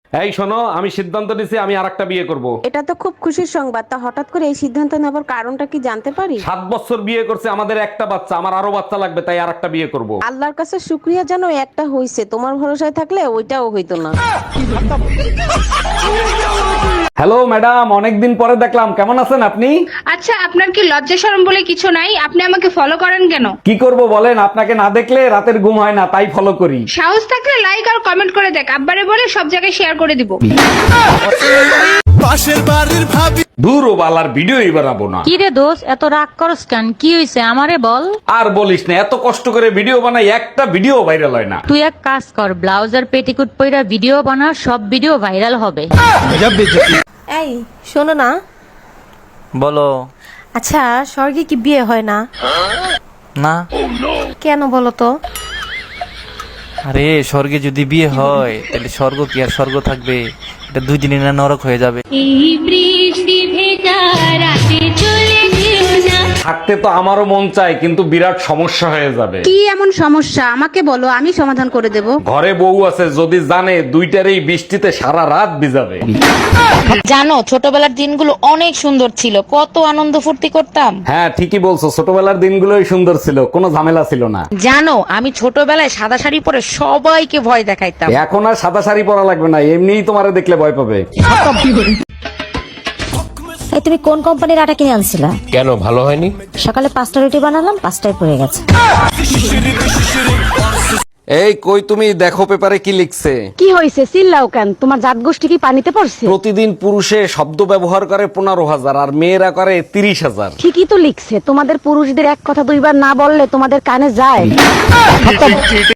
এই শোনো, আমি সিদ্ধান্ত নিছি আমি আরেকটা বিয়ে করব। এটা তো খুব খুশির সংবাদ। তা হঠাৎ করে এই সিদ্ধান্ত নেবার কারণটা কি জানতে পারি? 7 বছর বিয়ে করছে, আমাদের একটা বাচ্চা, আমার আরো বাচ্চা লাগবে, তাই আরেকটা বিয়ে করব। আল্লাহর কাছে শুক্রিয়া জানো একটা হইছে, তোমার ভরসায় থাকলে ওইটাও হইতো না। হ্যালো ম্যাডাম, অনেকদিন পরে দেখলাম, কেমন আছেন আপনি? আচ্ছা, আপনার কি লজ্জা শরম বলে কিছু নাই? আপনি আমাকে ফলো করেন কেন? কি করব বলেন, আপনাকে না দেখলে রাতের ঘুম হয় না, তাই ফলো করি। সাহস থাকলে লাইক আর কমেন্ট করে দেখ, আব্বারে বলে সব জায়গায় শেয়ার করে দিব। পাশের বাড়ির ভাবি দূর ও বালার ভিডিওই বানাবো না। কি রে দোষ, এত রাগ করস কেন? কি হইছে আমারে বল। আর বলিস না, এত কষ্ট করে ভিডিও বানাই, একটা ভিডিও ভাইরাল হয় না। তুই এক কাজ কর, ব্লাউজ আর পেটিকুট পইরা ভিডিও বানা, সব ভিডিও ভাইরাল হবে। এই শোনো না, বলো। আচ্ছা স্বর্গে কি বিয়ে হয় না? না। কেন বলো তো? আরে স্বর্গে যদি বিয়ে হয় তাহলে স্বর্গ কি আর স্বর্গ থাকবে? এটা 2 দিনে না নরক হয়ে যাবে। থাকতে তো আমারও মন চায়, কিন্তু বিরাট সমস্যা হয়ে যাবে। কি এমন সমস্যা আমাকে বলো, আমি সমাধান করে দেব। ঘরে বউ আছে, যদি জানে দুইটারই বৃষ্টিতে সারা রাত ভিজাবে। জানো, ছোটবেলার দিনগুলো অনেক সুন্দর ছিল, কত আনন্দ ফুর্তি করতাম। হ্যাঁ ঠিকই বলছো, ছোটবেলার দিনগুলোই সুন্দর ছিল, কোনো ঝামেলা ছিল না। জানো, আমি ছোটবেলায় সাদা শাড়ি পরে সবাইকে ভয় দেখাইতাম। এখন আর সাদা শাড়ি পরা লাগবে না, এমনিই তোমারে দেখলে ভয় পাবে। এই তুমি কোন কোম্পানির আটা কিনে আনছিলা? কেন, ভালো হয়নি? সকালে 5টা রুটি বানালাম, 5টায় পড়ে গেছে। এই কই তুমি, দেখো পেপারে কি লিখছে। কি হয়েছে, চিল্লাও কেন? তোমার জাত গোষ্ঠী কি পানিতে পড়ছে? প্রতিদিন পুরুষে শব্দ ব্যবহার করে 15,000 আর মেয়েরা করে 30,000। ঠিকই তো লিখছে, তোমাদের পুরুষদের এক কথা দুইবার না বললে তোমাদের কানে যায়।